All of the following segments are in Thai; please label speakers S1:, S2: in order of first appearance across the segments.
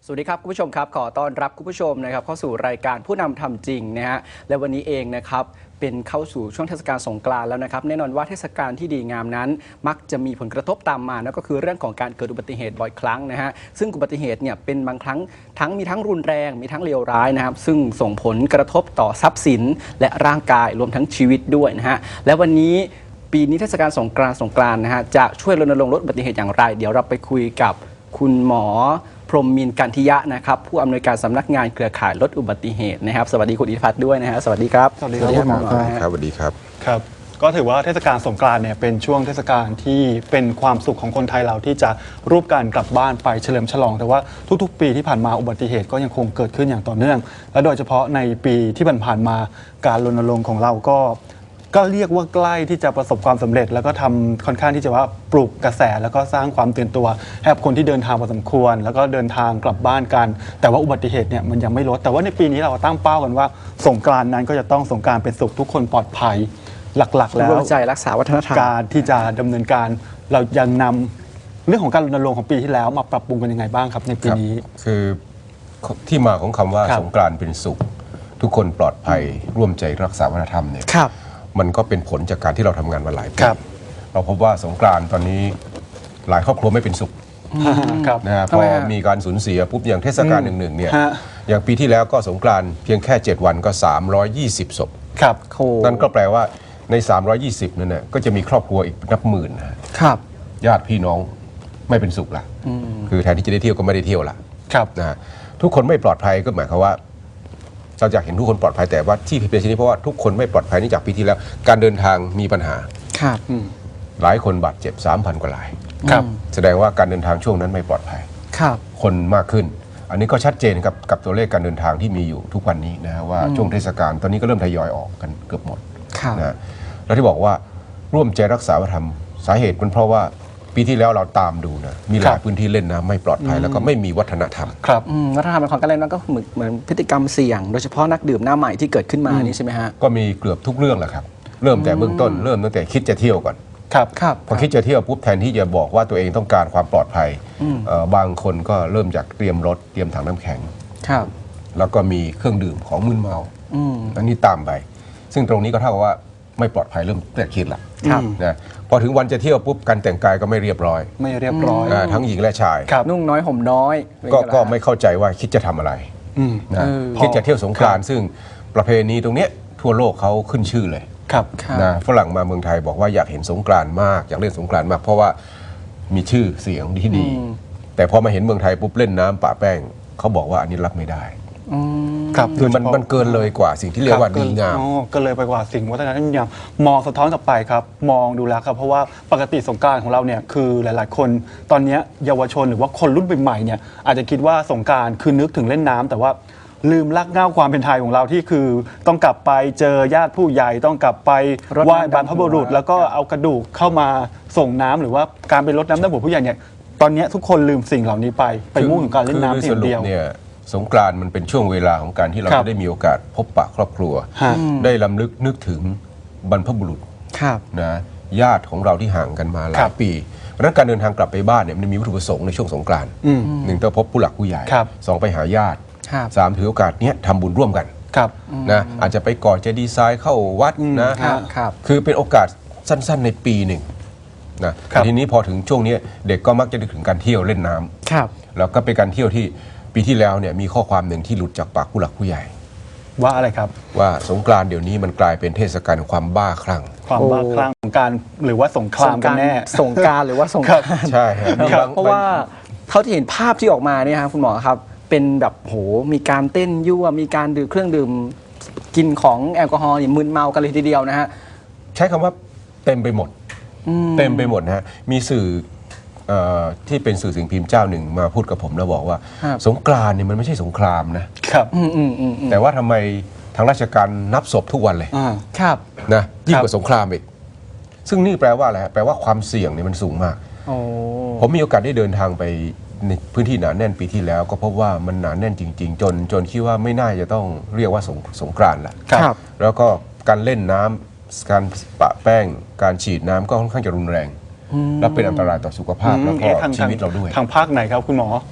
S1: สวัสดีครับคุณผู้ชมครับขอต้อนรับคุณผู้ชมนะครับเข้าสู่รายการผู้นำทำจริงนะฮะและวันนี้เองนะครับเป็นเข้าสู่ช่วงเทศกาลสงกรานต์แล้วนะครับแน่นอนว่าเทศกาลที่ดีงามนั้นมักจะมีผลกระทบตามมานั่นก็คือเรื่องของการเกิดอุบัติเหตุบ่อยครั้งนะฮะซึ่งอุบัติเหตุเนี่ยเป็นบางครั้งมีทั้งรุนแรงมีทั้งเลวร้ายนะครับซึ่งส่งผลกระทบต่อทรัพย์สินและร่างกายรวมทั้งชีวิตด้วยนะฮะและวันนี้ปีนี้เทศกาลสงกรานต์นะฮะจะช่วยรณรงค์ลดอุบัติเหตุอย่างไรเดี๋ยวเราไปคุยกับคุณหมอพรหมมินทร์กันทิยะนะครับผู้อำนวยการสำนักงานเครือข่ายลดอุบัติเหตุนะครับสวัสดีคุณอิทธิพัฒน์ด้วยนะฮะสวัสดีครับ
S2: สวัสดีครับคุณหมอ
S3: ครับสวัสดีครับ
S2: ครับก็ถือว่าเทศกาลสงกรานต์เนี่ยเป็นช่วงเทศกาลที่เป็นความสุขของคนไทยเราที่จะรูปการกลับบ้านไปเฉลิมฉลองแต่ว่าทุกๆปีที่ผ่านมาอุบัติเหตุก็ยังคงเกิดขึ้นอย่างต่อเนื่องและโดยเฉพาะในปีที่ผ่านมาการรณรงค์ของเราก็เรียกว่าใกล้ที่จะประสบความสำเร็จแล้วก็ทำค่อนข้างที่จะว่าปลุกกระแสแล้วก็สร้างความตื่นตัวให้กับคนที่เดินทางพอสมควรแล้วก็เดินทางกลับบ้านกันแต่ว่าอุบัติเหตุเนี่ยมันยังไม่ลดแต่ว่าในปีนี้เราตั้งเป้ากันว่าสงกรานต์นั้นก็จะต้องสงกรานต์เป็นสุขทุกคนปลอดภัยหลักๆแล้ว
S1: ร่วมใจรักษาวัฒนธรรม
S2: การที่จะดำเนินการเรายังนำเรื่องของการรณรงค์ของปีที่แล้วมาปรับปรุงกันยังไงบ้างครับในปีนี้
S3: คือที่มาของคำว่าสงกรานต์เป็นสุขทุกคนปลอดภัยร่วมใจรักษาวัฒนธรรมเนี่ยมันก็เป็นผลจากการที่เราทำงานมาหลายปีเราพบว่าสงกรานต์ตอนนี้หลายครอบครัวไม่เป็นสุขนะฮะพอมีการสูญเสียปุ๊บอย่างเทศกาลหนึ่งเนี่ยอย่างปีที่แล้วก็สงกรานต์เพียงแค่7 วันก็320 ศพนั่นก็แปลว่าใน320นั่นน่ะก็จะมีครอบครัวอีกนับหมื่นนะครับญาติพี่น้องไม่เป็นสุขละคือแทนที่จะได้เที่ยวก็ไม่ได้เที่ยวละนะทุกคนไม่ปลอดภัยก็หมายความว่าเราอยากเห็นทุกคนปลอดภัยแต่ว่าที่เป็นเช่นนี้เพราะว่าทุกคนไม่ปลอดภัยนี่จากปีที่แล้วการเดินทางมีปัญหาหลายคนบาดเจ็บ 3,000 กว่า รายแสดงว่าการเดินทางช่วงนั้นไม่ปลอดภัยคนมากขึ้นอันนี้ก็ชัดเจนกับตัวเลขการเดินทางที่มีอยู่ทุกวันนี้นะว่าช่วงเทศกาลตอนนี้ก็เริ่มทยอยออกกันเกือบหมดนะแล้วที่บอกว่าร่วมใจรักษาวัฒนธรรมสาเหตุเป็นเพราะว่าปีที่แล้วเราตามดูนะมีหลายพื้นที่เล่นน้ำไม่ปลอดภัยแล้วก็ไม่มีวัฒนธรรม
S1: วัฒนธรรมของการเล่นน้ำก็เหมือนพฤติกรรมเสี่ยงโดยเฉพาะนักดื่มหน้าใหม่ที่เกิดขึ้นมานี่ใช่ไหมฮะ
S3: ก็มีเกือบทุกเรื่องแหละครับเริ่มแต่เบื้องต้นเริ่มตั้งแต่คิดจะเที่ยวก่อนพอคิดจะเที่ยวปุ๊บแทนที่จะบอกว่าตัวเองต้องการความปลอดภัยบางคนก็เริ่มจากเตรียมรถเตรียมถังน้ำแข็งแล้วก็มีเครื่องดื่มของมึนเมาอันนี้ตามไปซึ่งตรงนี้ก็เท่ากับว่าไม่ปลอดภัยเริ่มแต่คิดละนะพอถึงวันจะเที่ยวปุ๊บการแต่งกายก็ไม่เรียบร้อยทั้งหญิงและชาย
S1: นุ่งน้อยห่มน้อย
S3: ก็ไม่เข้าใจว่าคิดจะทำอะไรนะคิดจะเที่ยวสงกรานต์ซึ่งประเพณีตรงนี้ทั่วโลกเขาขึ้นชื่อเลยนะฝรั่งมาเมืองไทยบอกว่าอยากเห็นสงกรานต์มากอยากเล่นสงกรานต์มากเพราะว่ามีชื่อเสียงที่ดีแต่พอมาเห็นเมืองไทยปุ๊บเล่นน้ำปะแป้งเขาบอกว่าอันนี้รับไม่ได้คือมันเกินเลยกว่าสิ่งที่เรียกว่าดีงาม
S2: ก็เลยไปกว่าสิ่งวัฒนธรรมอย่างมองสะท้อนกลับไปครับมองดูแล้วครับเพราะว่าปกติสงกรานต์ของเราเนี่ยคือหลายๆคนตอนนี้เยาวชนหรือว่าคนรุ่นใหม่ๆเนี่ยอาจจะคิดว่าสงกรานต์คือนึกถึงเล่นน้ำแต่ว่าลืมรากเหง้าความเป็นไทยของเราที่คือต้องกลับไปเจอญาติผู้ใหญ่ต้องกลับไปไหว้บรรพบุรุษแล้วก็เอากระดูกเข้ามาส่งน้ำหรือว่าการไปรดน้ำดำหัวผู้ใหญ่เนี่ยตอนนี้ทุกคนลืมสิ่งเหล่านี้ไปมุ่งถึงการเล่นน้ำเพียงเดียว
S3: สงกรานต์มันเป็นช่วงเวลาของการที่เราจะได้มีโอกาสพบปะครอบครัวได้รำลึกนึกถึงบรรพบุรุษนะญาติของเราที่ห่างกันมาหลายปีเพราะฉะนั้นการเดินทางกลับไปบ้านเนี่ยมันมีวัตถุประสงค์ในช่วงสงกรานต์หนึ่งต้องพบผู้หลักผู้ใหญ่สองไปหาญาติสามถือโอกาสนี้ทำบุญร่วมกันนะอาจจะไปก่อเจดีย์ทรายเข้าวัดนะคือเป็นโอกาสสั้นๆในปีหนึ่งนะทีนี้พอถึงช่วงนี้เด็กก็มักจะนึกถึงการเที่ยวเล่นน้ำแล้วก็เป็นการเที่ยวที่ปีที่แล้วเนี่ยมีข้อความหนึ่งที่หลุดจากปากผู้หลักผู้ใหญ่
S2: ว่าอะไรครับ
S3: ว่าสงกรานต์เดี๋ยวนี้มันกลายเป็นเทศกาลความบ้าคลั่ง
S2: ความบ้าคลั่งของการหรือว่าสงครามกันแน่
S1: สงกรานต์หรือว่าสงคราม
S3: ใช่
S1: เพราะว่าเท่าที่เห็นภาพที่ออกมาเนี่ยครับคุณหมอครับเป็นแบบโหมีการเต้นยั่วมีการดื่มเครื่องดื่มกินของแอลกอฮอล์มึนเมากันเลยทีเดียวนะฮะ
S3: ใช้คำว่าเต็มไปหมดนะฮะมีสื่อที่เป็นสื่อสิ่งพิมพ์เจ้าหนึ่งมาพูดกับผมแล้วบอกว่าสงกรานต์เนี่ยมันไม่ใช่สงครามนะครับแต่ว่าทำไมทางราชการนับศพทุกวันเลยนะยิ่งกว่าสงครามอีกซึ่งนี่แปลว่าอะไรแปลว่าความเสี่ยงเนี่ยมันสูงมากผมมีโอกาสได้เดินทางไปในพื้นที่หนาแน่นปีที่แล้วก็พบว่ามันหนาแน่นจริงๆจนคิดว่าไม่น่าจะต้องเรียกว่าสงกรานต์ละแล้วก็การเล่นน้ำการปะแป้งการฉีดน้ำก็ค่อนข้างจะรุนแรงและเป็นอันตรายต่อสุขภาพและก็ชีวิตเราด้วย
S2: ทางภาคไหนครับคุณหมอ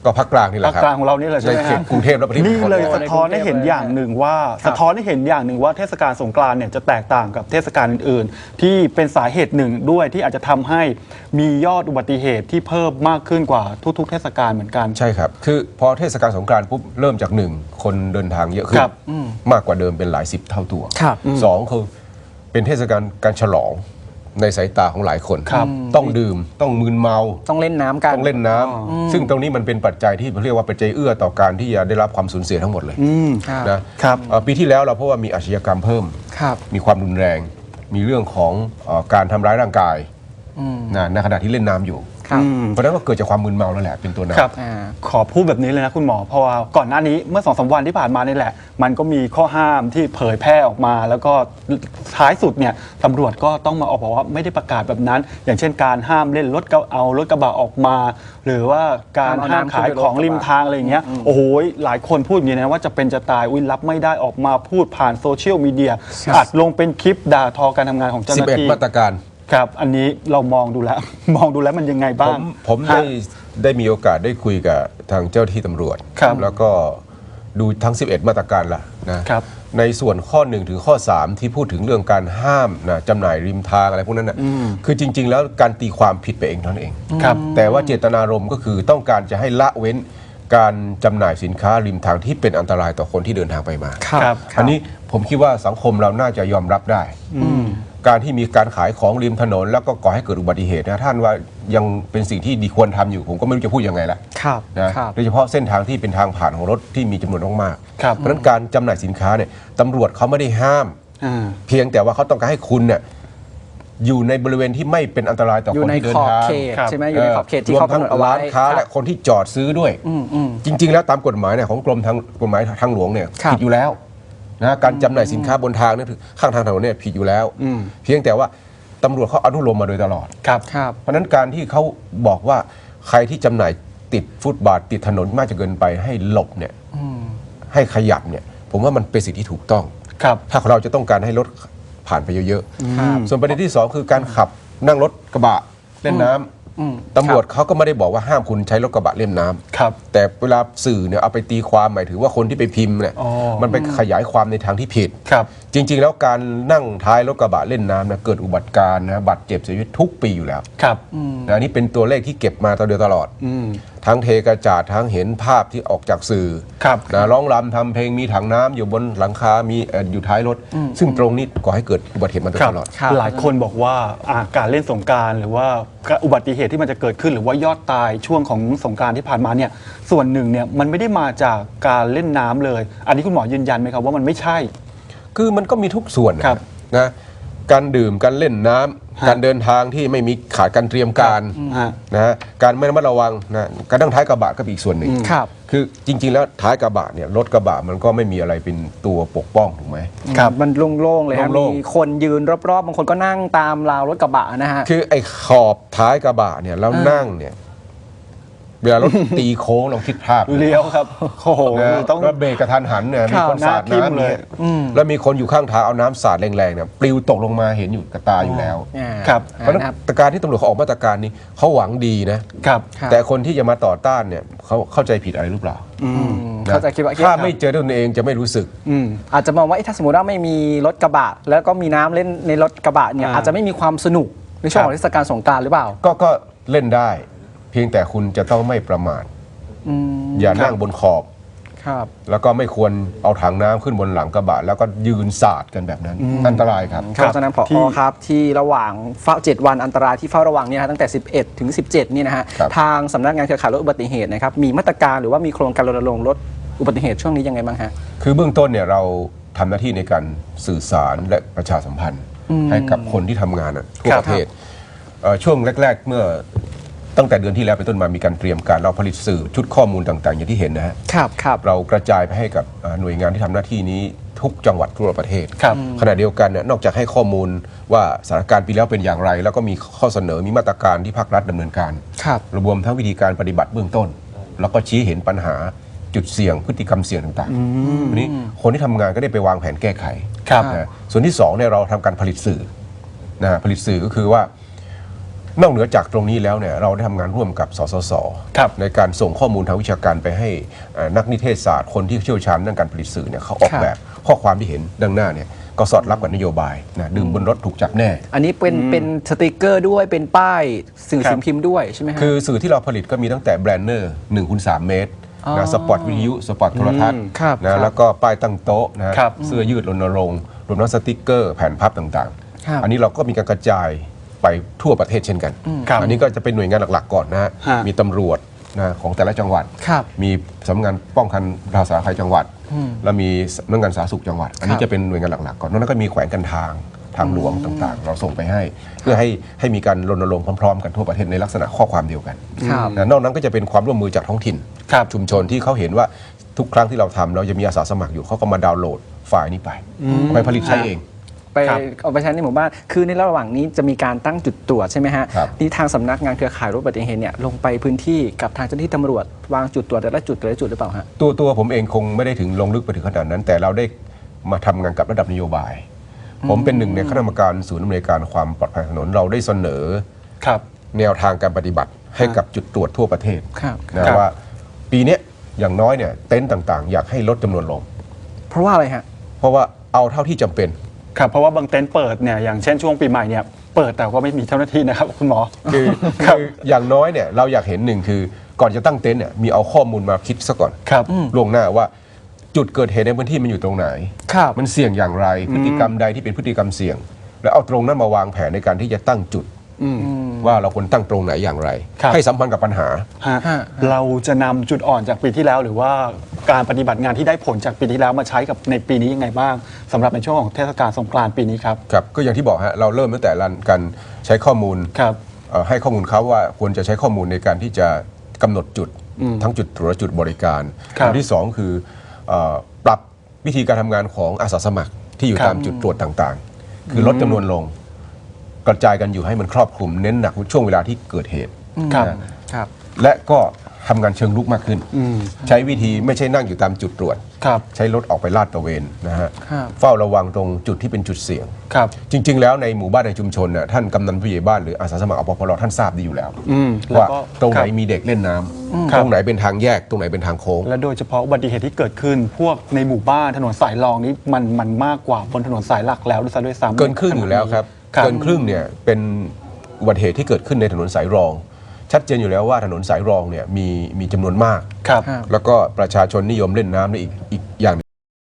S3: ก็ภาคกลางนี่แห
S2: ภา
S3: ละ
S2: ค
S3: ครับ
S2: กลางของเรานี่แหละใช่
S3: ใน
S2: ไหม
S3: เขต
S2: ฮะ
S3: กรุงเทพและปริมณฑล
S2: นี่เลย
S1: ใน
S2: สะท้อนให้เห็นอย่างหนึ่งว่า
S1: ครับ
S2: สะท้อนให้เห็นอย่างหนึ่งว่าเทศกาลสงกรานต์เนี่ยจะแตกต่างกับเทศกาลอื่นๆ ที่เป็นสาเหตุหนึ่งด้วยที่อาจจะทำให้มียอดอุบัติเหตุที่เพิ่มมากขึ้นกว่าทุกๆ เทศกาลเหมือนกัน
S3: ใช่ครับ คือพอเทศกาลสงกรานต์ปุ๊บเริ่มจาก 1 คนเดินทางเยอะขึ้น
S2: ครับ
S3: มากกว่าเดิมเป็นหลาย10 เท่าตัว
S1: ครับ
S3: สองคือเป็นเทศกาลการฉลองในสายตาของหลายคน
S2: ครับ
S3: ต้องดื่มต้องมึนเมา
S1: ต้องเล่นน้ำกัน
S3: ต้องเล่นน้ำซึ่งตรงนี้มันเป็นปัจจัยที่เรียกว่าปัจจัยเอื้อต่อการที่จะได้รับความสูญเสียทั้งหมดเลย
S1: ครับ
S3: นะครับปีที่แล้วเราพบว่ามีอาชญากรรมเพิ่ม
S1: ครับ
S3: มีความรุนแรง มีเรื่องของการทำร้ายร่างกายนะในขณะที่เล่นน้ำอยู่
S1: ครับ
S3: เพราะฉะนั้นก็เกิดจากความมึนเมาแล้วแหละเป็นตัวนำ
S2: ครับ
S1: อ่า
S2: ขอพูดแบบนี้เลยนะคุณหมอเพราะว่าก่อนหน้านี้เมื่อ2-3 วันที่ผ่านมานี่แหละ มันก็มีข้อห้ามที่เผยแพร่ออกมา แล้วก็ท้ายสุดเนี่ยตำรวจก็ต้องมาออกบอกว่าไม่ได้ประกาศแบบนั้น อย่างเช่นการห้ามเล่นรถเอารถกระบะออกมา หรือว่าการห้ามขายของริมทางอะไรอย่างเงี้ยโอ้โหหลายคนพูดอย่างนี้นะว่าจะเป็นจะตายอุ้ยรับไม่ได้ออกมาพูดผ่านโซเชียลมีเดียอัดลงเป็นคลิปด่าทอการทำงานของเจ้าหน้าที่
S3: 11 มาตรการ
S2: ครับอันนี้เรามองดูแล้ว มองดูแล้วมันยังไงบ้าง
S3: ผมได้มีโอกาสได้คุยกับทางเจ้าที่ตำรวจ
S2: ครับ
S3: แล้วก็ดูทั้ง 11 มาตรการละนะครับ ในส่วนข้อ 1 ถึงข้อ 3 ที่พูดถึงเรื่องการห้ามนะจำหน่ายริมทางอะไรพวกนั้นนะคือจริง ๆ แล้วการตีความผิดไปเองเท่านั้นเอง
S2: ครับ
S3: แต่ว่าเจตนารมณ์ก็คือต้องการจะให้ละเว้นการจำหน่ายสินค้าริมทางที่เป็นอันตรายต่อคนที่เดินทางไปมา
S2: ครับ
S3: อันนี้ผมคิดว่าสังคมเราน่าจะยอมรับได้ การที่มีการขายของริมถนนแล้วก็ก่อให้เกิดอุบัติเหตุนะท่านว่ายังเป็นสิ่งที่ดีควรทำอยู่ ผมก็ไม่รู้จะพูดยังไงละ
S1: ครับ
S3: นะครับ โดยเฉพาะเส้นทางที่เป็นทางผ่านของรถที่มีจำนวนมาก
S2: ครับ
S3: เพราะฉะนั้นการจำหน่ายสินค้าเนี่ยตำรวจเขาไม่ได้ห้าม
S2: อ่า
S3: เพียงแต่ว่าเขาต้องการให้คุณเนี่ยอยู่ในบริเวณที่ไม่เป็นอันตรายต่อ
S1: อยู่
S3: คน
S1: ใน
S3: ที่เดิ
S1: ข
S3: น
S1: อบ
S3: ทาง
S1: เขตใช่ไหมอยู่ในขอบเขตที่
S3: รว
S1: เขา
S3: มทั้ง
S1: กำหนดเอาไว้
S3: ร้านค้า
S1: ครับ
S3: และคนที่จอดซื้อด้วย จริง ๆ แล้วตามกฎหมายเนี่ยของกรมทางหลวงเนี่ย
S1: ครับ
S3: ผิดอยู่แล้วนะการจำหน่ายสินค้าบนทางเนี่ยข้างทางถนนเนี่ยผิดอยู่แล้ว เพียงแต่ว่าตำรวจเขาอนุโลมมาโดยตลอด
S2: ครับ
S1: ครับ
S3: เพราะฉะนั้นการที่เขาบอกว่าใครที่จำหน่ายติดฟุตบาทติดถนนมากจนเกินไปให้หลบเนี่ยให้ขยับเนี่ยผมว่ามันเป็นสิ่งที่ถูกต้อง
S2: ครับ
S3: ถ้าเราจะต้องการให้รถผ่านไปเยอะ
S1: ครับ
S3: ๆส่วนประเด็นที่ 2 คือการขับนั่งรถกระบะเล่นน้ำตำรวจเขาก็ไม่ได้บอกว่าห้ามคุณใช้รถกระบะเล่นน้ำ
S2: ครับ
S3: แต่เวลาสื่อเนี่ยเอาไปตีความหมายถึงว่าคนที่ไปพิมพ์เนี่ย
S2: อ๋อ
S3: มันไปขยายความในทางที่ผิด
S2: ครับ
S3: จริง ๆ แล้วการนั่งท้ายรถกระบะเล่นน้ำนะเกิดอุบัติการณ์นะบาดเจ็บเสียชีวิตทุกปีอยู่แล้ว
S2: ครับ
S3: นะอันนี้เป็นตัวเลขที่เก็บมาตลอด ทั้งเทกระจาดทั้งเห็นภาพที่ออกจากสื่อ
S2: ครับ
S3: นะร้องรำทำเพลงมีถังน้ำอยู่บนหลังคา มีอยู่ท้ายรถ ซึ่งตรงนี้ก่อให้เกิดอุบัติเหตุมาโดย
S2: ครับ
S3: ตลอด
S1: ครับ
S2: หลายคนบอกว่าการเล่นสงกรานต์หรือว่าอุบัติเหตุที่มันจะเกิดขึ้นหรือว่ายอดตายช่วงของสงกรานต์ที่ผ่านมาเนี่ยส่วนหนึ่งเนี่ยมันไม่ได้มาจากการเล่นน้ำเลย อันนี้คุณหมอยืนยันไหมครับว่ามันไม่ใช่
S3: คือมันก็มีทุกส่วนนะครับ นะการดื่มการเล่นน้ำ
S2: ฮะ
S3: การเดินทางที่ไม่มีขาดการเตรียมการ
S2: ฮะ
S3: นะฮะการไม่ระมัดระวังนะการนั่งท้ายกระบะก็เป็นอีกส่วนหนึ่ง
S1: ครับ
S3: คือจริง ๆ แล้วท้ายกระบะเนี่ยรถกระบะมันก็ไม่มีอะไรเป็นตัวปกป้องถูกไหม
S1: ครับมันโล่งๆเลยฮะ
S3: โล่งๆ
S1: มีคนยืนรอบๆบางคนก็นั่งตามราวรถกระบะนะฮะ
S3: คือไอ้ขอบท้ายกระบะเนี่ยแล้วนั่งเนี่ยเวลารถตีโค้งลองคิดภาพ
S2: เลี้ยวครับโอ้โห
S3: นะ
S2: ต้อง
S3: แล้วเบรกกระทันหันเนี่ยมีคนสาด
S2: หน้าทิ่ม
S3: น้ำ
S2: เลย
S3: เนี่ยแล้วมีคนอยู่ข้างทางเอาน้ำสาดแรงๆเนี่ยปลิวตกลงมาเห็นอยู่กับตาอยู่แล้ว
S2: ครับ
S3: เพราะฉะนั้นมาตรการที่ตำรวจเขาออกมาตรการนี้เขาหวังดีนะ
S2: ครับ
S1: ครับ
S3: แต่คนที่จะมาต่อต้านเนี่ยเขาเข้าใจผิดอะไรหรือเปล่านะ
S1: เขาใจะคิดว่า
S3: ถ้าไม่เจอด้วยตนเองจะไม่รู้สึก
S1: อาจจะมองว่าเอ๊ะถ้าสมมติว่าไม่มีรถกระบะ แล้วก็มีน้ำเล่นในรถกระบะเนี่ยอาจจะไม่มีความสนุกในช่วงของเทศกาลสงกรานต์หรือเปล่า
S3: ก็เล่นได้ เพียงแต่คุณจะต้องไม่ประมาทอย่านั่งบนขอบ
S1: ครับ
S3: แล้วก็ไม่ควรเอาถังน้ำขึ้นบนหลังกระบะแล้วก็ยืนสาดกันแบบนั้น อันตรายครับ
S1: เพราะฉะนั้นผอครับที่ระหว่างเฝ้า7 วันอันตรายที่เฝ้าระวังเนี่ยนะตั้งแต่ 11 ถึง 17 นี่นะฮะ
S3: ครับ
S1: ทางสำนักงานเครือข่ายลดอุบัติเหตุนะครับมีมาตรการหรือว่ามีโครงการรณรงค์ลดอุบัติเหตุช่วงนี้ยังไงบ้างฮะ
S3: คือเบื้องต้นเนี่ยเราทำหน้าที่ในการสื่อสารและประชาสัมพันธ์ ให้กับคนที่ทำงานทั่ว
S2: ครับ
S3: ประเทศช่วงแรก ๆ เมื่อตั้งแต่เดือนที่แล้วเป็นต้นมามีการเตรียมการเราผลิตสื่อชุดข้อมูลต่างๆ อย่างที่เห็นนะฮะ
S1: ครับครับ
S3: เรากระจายไปให้กับหน่วยงานที่ทำหน้าที่นี้ทุกจังหวัดทั่วประเทศ
S2: ครับ
S3: ขณะเดียวกันเนี่ยนอกจากให้ข้อมูลว่าสถานการณ์ปีแล้วเป็นอย่างไร แล้วก็มีข้อเสนอมีมาตรการที่ภาครัฐดำเนินการ
S1: ครับ
S3: รวมทั้งวิธีการปฏิบัติเบื้องต้น แล้วก็ชี้เห็นปัญหาจุดเสี่ยงพฤติกรรมเสี่ยงต่างๆวันนี้คนที่ทำงานก็ได้ไปวางแผนแก้ไข
S2: ครับ
S3: นะส่วนที่2เนี่ยเราทำการผลิตสื่อนะผลิตสื่อก็คือว่านอกเหนือจากตรงนี้แล้วเนี่ยเราได้ทำงานร่วมกับสสส
S2: ครับ
S3: ในการส่งข้อมูลทางวิชาการไปให้นักนิเทศศาสตร์คนที่เชี่ยวชาญด้านการผลิตสื่อเนี่ยเขาออกแบบข้อความที่เห็นดังหน้าเนี่ยก็สอดรับกับนโยบายนะดื่มบนรถถูกจับแน่
S1: อันนี้เป็นสติกเกอร์ด้วยเป็นป้ายสื่อสิ่งพิมพ์ด้วยใช่ไหมฮะ
S3: คือสื่อที่เราผลิตก็มีตั้งแต่แบรนเนอร์1x3 เมตรนะสปอตวิทยุสปอตโทรทัศน์
S1: ครับ
S3: นะแล้วก็ป้ายตั้งโต๊ะนะครับ เสื้อยืดรณรงค์รวมทั้งสติกเกอร์แผ่นพับต่าง
S1: ครับ
S3: ๆ อันนี้เราก็มีการกระจายไปทั่วประเทศเช่นกัน
S2: ครับ
S3: อันนี้ก็จะเป็นหน่วยงานหลักๆก่อนนะฮะ
S2: ฮะ
S3: มีตำรวจนะของแต่ละจังหวัด
S1: ครับ
S3: มีสำนักงานป้องกันราษฎร์ภัยจังหวัด แล้วมีสำนักงานสาธารณสุขจังหวัด อันนี้จะเป็นหน่วยงานหลักๆก่อนนอกนั้นก็มีแขวงการทางหลวงต่างๆ เราส่งไปให้ เพื่อให้มีการรณรงค์พร้อมๆกันทั่วประเทศในลักษณะข้อความเดียวกัน
S1: ครับ
S3: นะนอกนั้นก็จะเป็นความร่วมมือจากท้องถิ่น
S2: ครับ
S3: ชุมชนที่เขาเห็นว่าทุกครั้งที่เราทำเราจะมีอาสาสมัครอยู่เขาก็มาดาวน์โหลดไฟล์นี้ไปเอาไปผลิตใช้เอง
S1: ไป
S2: ครับ
S1: เอาไปใช้ในหมู่บ้าน คือในระหว่างนี้จะมีการตั้งจุดตรวจใช่ไหมฮะ
S3: ครับ
S1: นี่ทางสำนักงานเครือข่ายรถอุบัติเหตุเนี่ยลงไปพื้นที่กับทางเจ้าหน้าที่ตำรวจวางจุดตรวจแต่ละจุดหรือเปล่าฮะ
S3: ตัวผมเองคงไม่ได้ถึงลงลึกไปถึงขนาดนั้น แต่เราได้มาทำงานกับระดับนโยบาย ผมเป็นหนึ่งในคณะกรรมการศูนย์อำนวยการความปลอดภัยถนนเราได้เสนอ
S2: ครับ
S3: แนวทางการปฏิบัติให้กับจุดตรวจทั่วประเทศ
S1: ครับ
S3: นะครับ ว่าปีเนี้ยอย่างน้อยเนี่ยเต็นท์ต่างๆ อยากให้ลดจำนวนลง
S1: เพราะว่าอะไรฮะ
S3: เพราะว่าเอาเท่าที่จำเป็น
S2: ครับเพราะว่าบางเต็นท์เปิดเนี่ยอย่างเช่นช่วงปีใหม่เนี่ยเปิดแต่ก็ไม่มีเจ้าหน้าที่นะครับคุณหมอ
S3: คืออย่างน้อยเนี่ยเราอยากเห็นหนึ่งคือก่อนจะตั้งเต็นท์เนี่ยมีเอาข้อมูลมาคิดซะก่อน
S2: ครับ
S3: ล่วงหน้าว่าจุดเกิดเหตุในพื้นที่มันอยู่ตรงไหน
S1: ครับ
S3: มันเสี่ยงอย่างไรพฤติกรรมใดที่เป็นพฤติกรรมเสี่ยง แล้วเอาตรงนั้นมาวางแผนในการที่จะตั้งจุดว่าเราควรตั้งตรงไหนอย่างไร
S2: ครับ
S3: ให้สัมพันธ์กับปัญหา
S2: ฮะ
S1: ฮะ
S2: เราจะนำจุดอ่อนจากปีที่แล้ว หรือว่าการปฏิบัติงานที่ได้ผลจากปีที่แล้วมาใช้กับในปีนี้ยังไงบ้างสำหรับในช่วงของเทศกาลสงกรานต์ปีนี้ครับ
S3: ครับก็อย่างที่บอกฮะเราเริ่มตั้งแต่การใช้ข้อมูล
S2: ครับ
S3: ให้ข้อมูลเขาว่าควรจะใช้ข้อมูลในการที่จะกำหนดจุดทั้งจุดตรวจและจุดบริการ
S2: ครับ
S3: อันที่สองคือปรับวิธีการทำงานของอาสาสมัครที่อยู่
S2: ครับ
S3: ตามจุดตรวจต่างๆ คือลดจำนวนลง กระจายกันอยู่ให้มันครอบคลุมเน้นหนักช่วงเวลาที่เกิดเหตุ
S2: ครับ
S1: ครับ
S3: และก็ทำงานเชิงลุกมากขึ้น ใช้วิธีไม่ใช่นั่งอยู่ตามจุดตรวจ
S2: ครับ
S3: ใช้รถออกไปลาดตระเวนนะฮะ
S1: ครับ
S3: เฝ้าระวังตรงจุดที่เป็นจุดเสี่ยง
S2: ครับ
S3: จริง ๆ แล้วในหมู่บ้านในชุมชนน่ะท่านกำนันผู้ใหญ่บ้านหรืออาสาสมัครอปพลท่านทราบดีอยู่แล้ว
S2: แล้ว
S3: ว่า
S2: ก็
S3: ตรงไหน
S2: ครับ
S3: มีเด็กเล่นน้ำ
S2: ครับ
S3: ตรงไหนเป็นทางแยกตรงไหนเป็นทางโค้ง
S2: และโดยเฉพาะอุบัติเหตุที่เกิดขึ้น พวกในหมู่บ้านถนนสายรองนี้มันมากกว่าบนถนนสายหลักแล้วด้วยซ้ำ
S3: เกินครึ่งอยู่แล้วครับ
S2: ครับ
S3: เกินครึ่งเนี่ยเป็นอุบัติเหตุที่เกิดขึ้นในถนนสายรอง ชัดเจนอยู่แล้วว่าถนนสายรองเนี่ยมีจำนวนมาก
S2: ครับ
S1: ครับ
S3: แล้วก็ประชาชนนิยมเล่นน้ำในอีกอย่าง